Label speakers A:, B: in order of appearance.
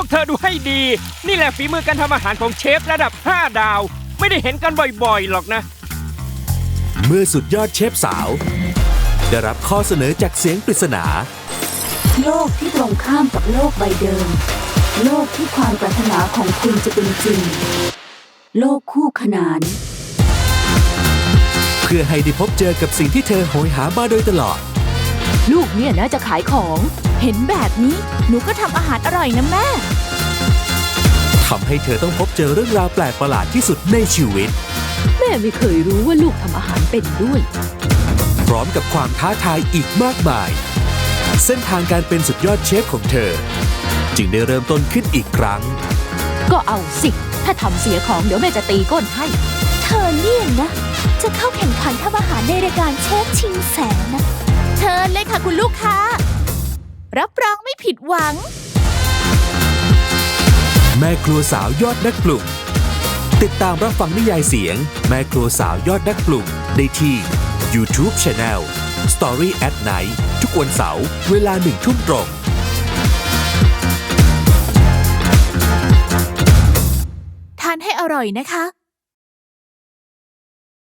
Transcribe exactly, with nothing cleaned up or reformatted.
A: วกเธอดูให้ดีนี่แหละฝีมือการทำอาหารของเชฟระดับห้าดาวไม่ได้เห็นกันบ่อยๆหรอกนะ
B: เมื่อสุดยอดเชฟสาวได้รับข้อเสนอจากเสียงปริศนา
C: โลกที่ตรงข้ามกับโลกใบเดิมโลกที่ความปรารถนาของคุณจะเป็นจริงโลกคู่ขนาน
B: เพื่อให้ได้พบเจอกับสิ่งที่เธอโหยหามาโดยตลอด
D: ลูกเนี่ยนะจะขายของเห็นแบบนี้หนูก็ทำอาหารอร่อยนะแม่
B: ทำให้เธอต้องพบเจอเรื่องราวแปลกประหลาดที่สุดในชีวิต
D: แม่ไม่เคยรู้ว่าลูกทำอาหารเป็นด้วย
B: พร้อมกับความท้าทายอีกมากมายเส้นทางการเป็นสุดยอดเชฟของเธอจึงได้เริ่มต้นขึ้นอีกครั้ง
D: ก็เอาสิถ้าทำเสียของเดี๋ยวแม่จะตีก้นให้
E: เธอเนี่ยนะจะเข้าแข่งขันทำอาหารในรายการเชฟชิงแสนนะเชิญเลยค่ะคุณลูกค้ารับรองไม่ผิดหวัง
B: แม่ครัวสาวยอดนักปรุงติดตามรับฟังนิยายเสียงแม่ครัวสาวยอดนักปรุงได้ที่ YouTube Channel Story at Night ทุกวันเสาร์เวลาหนึ่งทุ่มตรง
E: ทานให้อร่อยนะคะ